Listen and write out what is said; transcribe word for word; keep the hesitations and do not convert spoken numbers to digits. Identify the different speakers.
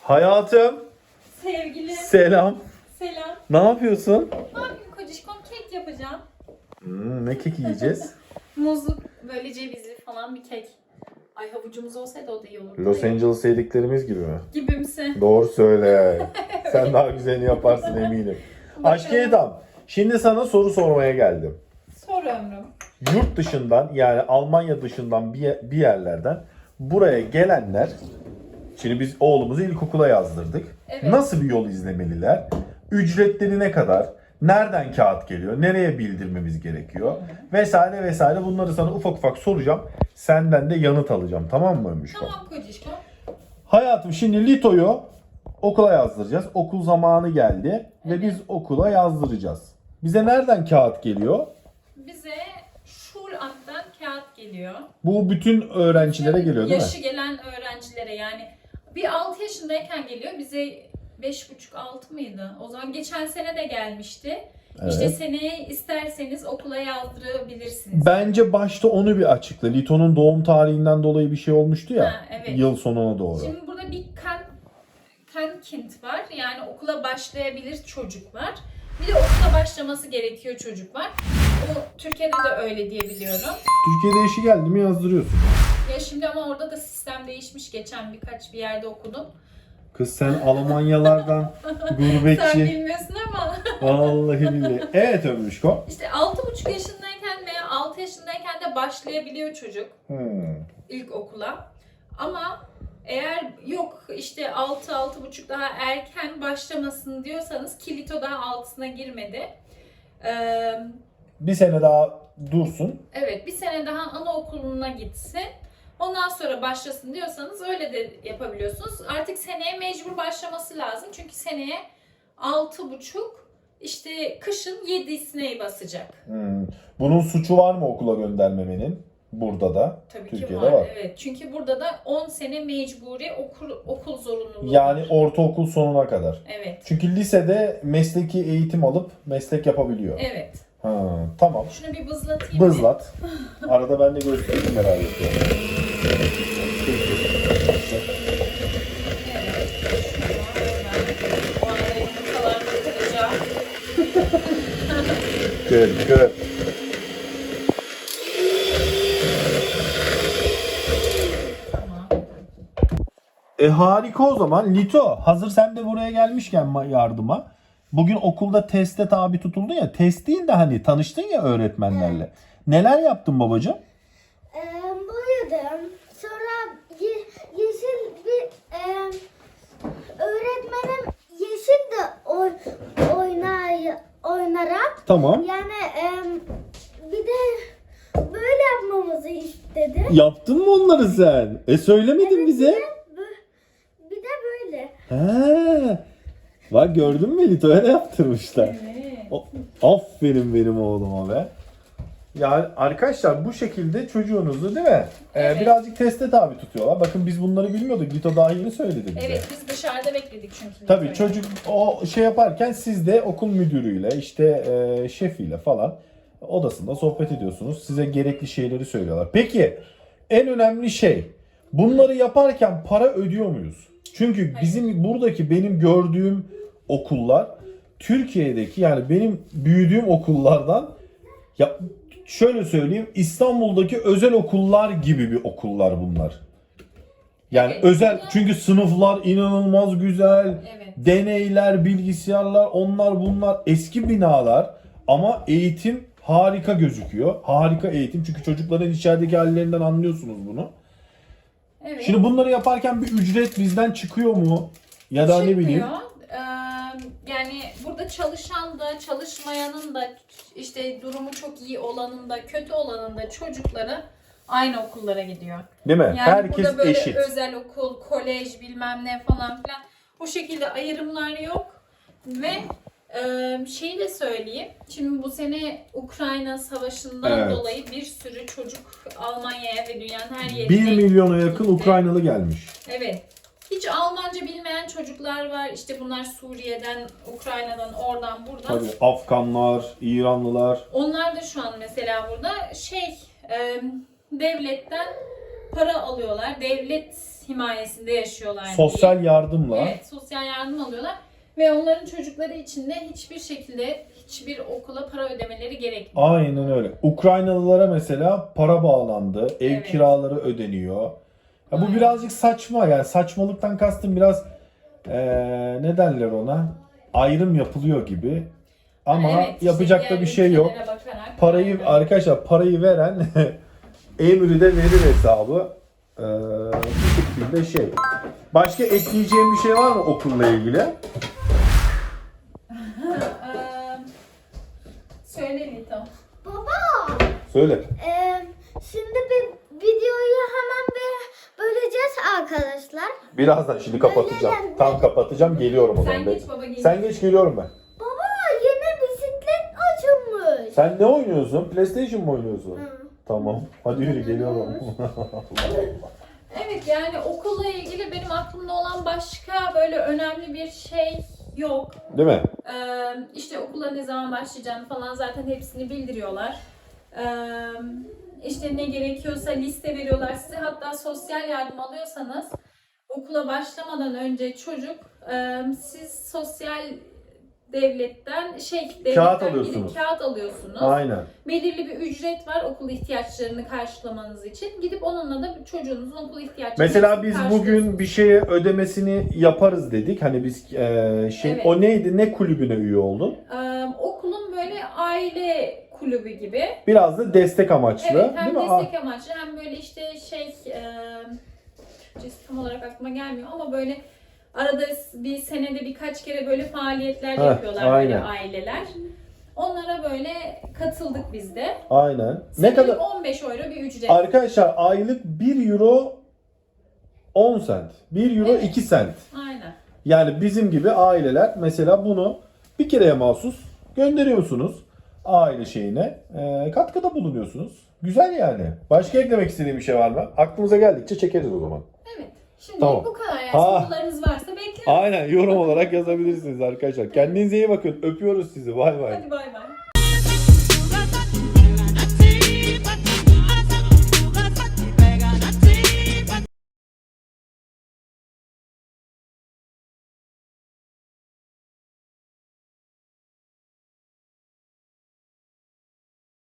Speaker 1: Hayatım.
Speaker 2: Sevgilim.
Speaker 1: Selam.
Speaker 2: Selam.
Speaker 1: Ne yapıyorsun?
Speaker 2: Ne yapayım kocişkom, kek yapacağım.
Speaker 1: Hmm, ne kek yiyeceğiz?
Speaker 2: Muzlu, böyle cevizli falan bir kek. Ay havucumuz olsaydı o da iyi olurdu.
Speaker 1: Los Angeles yediklerimiz gibi mi?
Speaker 2: Gibimsi.
Speaker 1: Doğru söyle. Sen daha güzelini yaparsın eminim. Aşkı Edam, şimdi sana soru sormaya geldim.
Speaker 2: Sor ömrüm.
Speaker 1: Yurt dışından, yani Almanya dışından bir, bir yerlerden buraya gelenler, şimdi biz oğlumuzu ilkokula yazdırdık.
Speaker 2: Evet.
Speaker 1: Nasıl bir yol izlemeliler? Ücretleri ne kadar? Nereden kağıt geliyor? Nereye bildirmemiz gerekiyor? Vesaire vesaire, bunları sana ufak ufak soracağım. Senden de yanıt alacağım, tamam mı Ömüşko?
Speaker 2: Tamam kocişkom.
Speaker 1: Hayatım, şimdi Lito'yu okula yazdıracağız. Okul zamanı geldi ve biz okula yazdıracağız. Bize nereden kağıt geliyor?
Speaker 2: Bize Schulampt'tan kağıt geliyor.
Speaker 1: Bu bütün öğrencilere geliyor değil mi?
Speaker 2: Yaşı gelen öğrencilere, yani bir altı yaşındayken geliyor. Bize beş buçuk altı mıydı? O zaman geçen sene de gelmişti.
Speaker 1: Evet.
Speaker 2: İşte seneye isterseniz okula yazdırabilirsiniz.
Speaker 1: Bence başta onu bir açıkla. Lito'nun doğum tarihinden dolayı bir şey olmuştu ya.
Speaker 2: Ha, evet.
Speaker 1: Yıl sonuna doğru.
Speaker 2: Şimdi burada bir kan, Kankind var. Yani okula başlayabilir çocuk var. Bir de okula başlaması gerekiyor çocuk var. O Türkiye'de de öyle diye biliyorum.
Speaker 1: Türkiye'de yaşı geldi mi yazdırıyorsun.
Speaker 2: Ya şimdi ama orada da sistem değişmiş. Geçen birkaç bir yerde okudum.
Speaker 1: Kız sen Almanyalardan gurbetçi.
Speaker 2: Sen bilmiyorsun ama.
Speaker 1: Vallahi billahi. Evet Ömüşko.
Speaker 2: İşte altı buçuk yaşındayken veya altı yaşındayken de başlayabiliyor çocuk
Speaker 1: Hmm.
Speaker 2: ilk okula. Ama eğer yok işte altı altı buçuk daha erken başlamasın diyorsanız, ki Lito daha altısına girmedi. Ee,
Speaker 1: Bir sene daha dursun.
Speaker 2: evet, bir sene daha anaokuluna gitsin. Ondan sonra başlasın diyorsanız öyle de yapabiliyorsunuz. Artık seneye mecbur başlaması lazım. Çünkü seneye altı buçuk işte kışın yedisine basacak.
Speaker 1: Hmm. Bunun suçu var mı okula göndermemenin? Burada da.
Speaker 2: Tabii
Speaker 1: Türkiye'de
Speaker 2: ki var.
Speaker 1: var.
Speaker 2: Evet. Çünkü burada da on sene mecburi okul, okul zorunluluğu
Speaker 1: Yani
Speaker 2: var.
Speaker 1: ortaokul sonuna kadar.
Speaker 2: Evet.
Speaker 1: Çünkü lisede mesleki eğitim alıp meslek yapabiliyor.
Speaker 2: Evet.
Speaker 1: Ha, tamam.
Speaker 2: Şunu bir bızlatayım. mı?
Speaker 1: Bızlat. Arada ben de göstereyim, merak ediyorum.
Speaker 2: Evet. Bu arada yumurtalarını kıracağım.
Speaker 1: Good, good.
Speaker 2: Tamam.
Speaker 1: E harika o zaman. Lito, hazır sen de buraya gelmişken ma- yardıma. Bugün okulda teste tabi tutuldun ya. Test değil de hani tanıştın ya öğretmenlerle. Neler yaptın babacığım?
Speaker 3: Ee, boyadım. Sonra ye- yeşil bir e, öğretmenim yeşil de oy, oynay, oynarak
Speaker 1: Tamam.
Speaker 3: yani e, bir de böyle yapmamızı istedi.
Speaker 1: Yaptın mı onları sen? E söylemedin
Speaker 3: Evet,
Speaker 1: bize.
Speaker 3: Bir de, bö- bir de böyle.
Speaker 1: He. Bak gördün mü, Lito'ya da yaptırmışlar.
Speaker 2: Evet.
Speaker 1: O- Aferin benim oğluma be. Yani arkadaşlar bu şekilde çocuğunuzu, değil mi? Ee,
Speaker 2: Evet.
Speaker 1: birazcık teste tabi tutuyorlar. Bakın biz bunları bilmiyorduk. Lito daha yeni söyledi bize.
Speaker 2: Evet, biz dışarıda bekledik çünkü.
Speaker 1: Tabii
Speaker 2: Lito'yu.
Speaker 1: çocuk o şey yaparken siz de okul müdürüyle, işte e, şefiyle falan odasında sohbet ediyorsunuz. Size gerekli şeyleri söylüyorlar. Peki en önemli şey, bunları yaparken para ödüyor muyuz? Çünkü bizim buradaki benim gördüğüm okullar Türkiye'deki, yani benim büyüdüğüm okullardan, ya şöyle söyleyeyim, İstanbul'daki özel okullar gibi bir okullar bunlar. Yani
Speaker 2: Evet,
Speaker 1: özel,
Speaker 2: burada-
Speaker 1: çünkü sınıflar inanılmaz güzel.
Speaker 2: Evet.
Speaker 1: Deneyler, bilgisayarlar, onlar bunlar, eski binalar ama eğitim harika gözüküyor. Harika eğitim, çünkü çocukların içerideki hallerinden anlıyorsunuz bunu.
Speaker 2: Evet.
Speaker 1: Şimdi bunları yaparken bir ücret bizden çıkıyor mu? Ya da ne bileyim.
Speaker 2: Çıkmıyor. Ee, yani burada çalışan da çalışmayanın da işte durumu çok iyi olanın da kötü olanın da çocukları aynı okullara gidiyor.
Speaker 1: Değil mi?
Speaker 2: Yani
Speaker 1: Herkes
Speaker 2: burada böyle
Speaker 1: eşit.
Speaker 2: özel okul, kolej bilmem ne falan filan o şekilde ayrımlar yok. Ve e, şeyi de söyleyeyim. Şimdi bu sene Ukrayna Savaşı'ndan
Speaker 1: Evet.
Speaker 2: dolayı bir sürü çocuk Almanya'ya ve dünyanın her yerine
Speaker 1: bir milyona yakın
Speaker 2: gitti.
Speaker 1: Ukraynalı gelmiş.
Speaker 2: Evet. Hiç Almanca bilmeyen çocuklar var. İşte bunlar Suriye'den, Ukrayna'dan, oradan, buradan.
Speaker 1: Tabii Afganlar, İranlılar.
Speaker 2: Onlar da şu an mesela burada şey e, devletten para alıyorlar. Devlet himayesinde yaşıyorlar.
Speaker 1: Sosyal
Speaker 2: diyeyim.
Speaker 1: yardımla.
Speaker 2: Evet, sosyal yardım alıyorlar. Ve onların çocukları için de hiçbir şekilde hiçbir okula para ödemeleri gerekmiyor.
Speaker 1: Aynen öyle. Ukraynalılara mesela para bağlandı. Ev
Speaker 2: Evet.
Speaker 1: kiraları ödeniyor. Ya bu
Speaker 2: Aynen.
Speaker 1: birazcık saçma, yani saçmalıktan kastım biraz eee ne derler ona? Ayrım yapılıyor gibi. Ama
Speaker 2: Evet, işte
Speaker 1: yapacak da
Speaker 2: diğer
Speaker 1: bir şey yok.
Speaker 2: ülkelere bakarak,
Speaker 1: Parayı
Speaker 2: aynen.
Speaker 1: arkadaşlar parayı veren emri de verir hesabı. Eee bu şekilde şey. Başka ekleyeceğim bir şey var mı okulla ilgili?
Speaker 2: Eee, Söyle Lito.
Speaker 3: Baba.
Speaker 1: Söyle.
Speaker 3: Ee, şimdi bir videoyu hemen bir böleceğiz arkadaşlar.
Speaker 1: Birazdan şimdi kapatacağım. Tam kapatacağım, geliyorum o zaman.
Speaker 2: Sen geç baba, gel.
Speaker 1: Sen geç, geliyorum ben.
Speaker 3: Baba yeni bisiklet açılmış.
Speaker 1: Sen ne oynuyorsun? PlayStation mı oynuyorsun?
Speaker 3: Hı.
Speaker 1: Tamam. Hadi yürü, geliyorum.
Speaker 2: Evet, yani okulla ilgili benim aklımda olan başka böyle önemli bir şey yok.
Speaker 1: Değil mi?
Speaker 2: Ee, işte okula ne zaman başlayacağını falan zaten hepsini bildiriyorlar. Ee, işte ne gerekiyorsa liste veriyorlar size. Hatta sosyal yardım alıyorsanız okula başlamadan önce çocuk e, siz sosyal devletten şey devletten
Speaker 1: Kağıt
Speaker 2: gidip
Speaker 1: alıyorsunuz.
Speaker 2: kağıt alıyorsunuz.
Speaker 1: Aynen.
Speaker 2: Belirli bir ücret var okul ihtiyaçlarını karşılamanız için. Gidip onunla da çocuğunuzun okul ihtiyaçlarını
Speaker 1: Mesela biz
Speaker 2: karşılıyorsunuz.
Speaker 1: bugün bir şeye ödemesini yaparız dedik. Hani biz e, şey
Speaker 2: Evet.
Speaker 1: o neydi? Ne kulübüne üye oldun?
Speaker 2: Ee, okulun böyle aile kulübü gibi.
Speaker 1: Biraz da destek amaçlı,
Speaker 2: Evet, hem
Speaker 1: değil mi? Ah,
Speaker 2: destek amaçlı hem böyle işte şey e, Türkçesi tam olarak aklıma gelmiyor ama böyle arada bir senede birkaç kere böyle faaliyetler
Speaker 1: Heh,
Speaker 2: yapıyorlar böyle
Speaker 1: aynen.
Speaker 2: aileler. Onlara böyle katıldık biz de.
Speaker 1: Aynen. Ne
Speaker 2: Senelik
Speaker 1: kadar?
Speaker 2: on beş euro bir ücret.
Speaker 1: Arkadaşlar aylık bir euro on sent. bir euro
Speaker 2: Evet.
Speaker 1: iki sent.
Speaker 2: Aynen.
Speaker 1: Yani bizim gibi aileler mesela bunu bir kereye mahsus gönderiyorsunuz aile şeyine. E, katkıda bulunuyorsunuz. Güzel yani. Başka eklemek istediğim bir şey var mı? Aklımıza geldikçe çekeriz o zaman.
Speaker 2: Evet. Şimdi
Speaker 1: Tamam.
Speaker 2: bu kadar yani.
Speaker 1: Ha.
Speaker 2: Sorularınız varsa bekliyorum.
Speaker 1: Aynen, yorum olarak yazabilirsiniz arkadaşlar. Kendinize iyi bakın. Öpüyoruz sizi. Bay bay.
Speaker 2: Hadi bay bay.